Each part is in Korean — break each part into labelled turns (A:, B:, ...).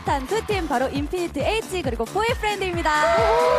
A: 핫한 두 팀 바로 인피니트 H 그리고 보이프렌드입니다.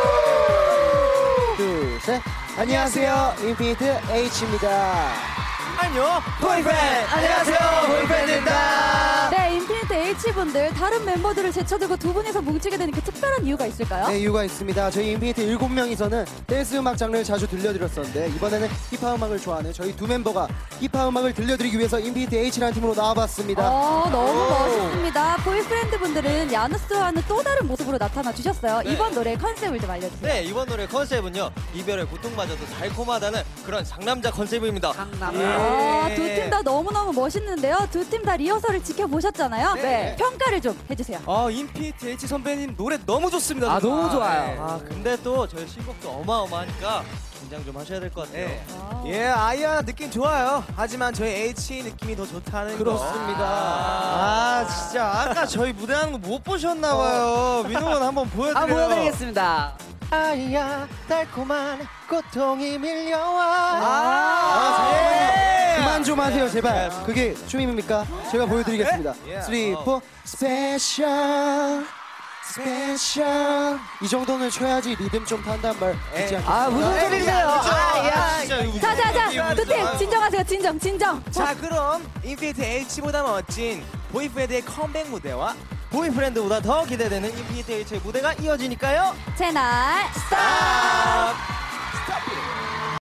B: 둘, 셋. 안녕하세요. 인피니트 H입니다.
C: 안녕, 보이프렌드! 안녕하세요, 보이프렌드입니다!
A: 네, 인피니트 H분들 다른 멤버들을 제쳐두고 두 분이서 뭉치게 되는 그 특별한 이유가 있을까요?
B: 네, 이유가 있습니다. 저희 인피니트 7명이서는 댄스 음악 장르를 자주 들려드렸었는데 이번에는 힙합 음악을 좋아하는 저희 두 멤버가 힙합 음악을 들려드리기 위해서 인피니트 H라는 팀으로 나와봤습니다.
A: 너무 멋있습니다. 보이프렌드 분들은 야누스와는 또 다른 모습으로 나타나 주셨어요.
C: 네.
A: 이번 노래 컨셉을 좀 알려주세요.
C: 네, 이번 노래 컨셉은요, 이별의 고통마저도 달콤하다는 그런 상남자 컨셉입니다.
A: 두 팀 다 너무너무 멋있는데요. 두 팀 다 리허설을 지켜보셨잖아요.
C: 네.
A: 평가를 좀 해주세요.
C: 인피니트 H 선배님 노래 너무 좋습니다.
D: 너무 좋아요.
C: 근데 또 저희 신곡도 어마어마하니까 긴장 좀 하셔야 될 것 같아요.
D: 예, 아이야 느낌 좋아요. 하지만 저희 H 느낌이 더 좋다는
B: 그렇습니다.
C: 진짜 아까 저희 무대하는 거 못 보셨나봐요. 민호는 한번 보여드려요.
D: 보여드리겠습니다.
B: 아이야 달콤한 고통이 밀려와. 그만 좀 하세요 제발. 그게 춤입니까? 제가 보여드리겠습니다. 3, 4 스페셜 스페셜. 이 정도는 쳐야지 리듬 좀 탄단 말 있지 않겠습니까?
D: 무슨 소리세요?
A: 자, 두 팀 진정하세요. 진정.
D: 자, 그럼 인피니트 H보다 멋진 보이프렌드의 컴백 무대와
C: 보이프렌드보다 더 기대되는 인피니트 H의 무대가 이어지니까요.
A: 채널 스탑!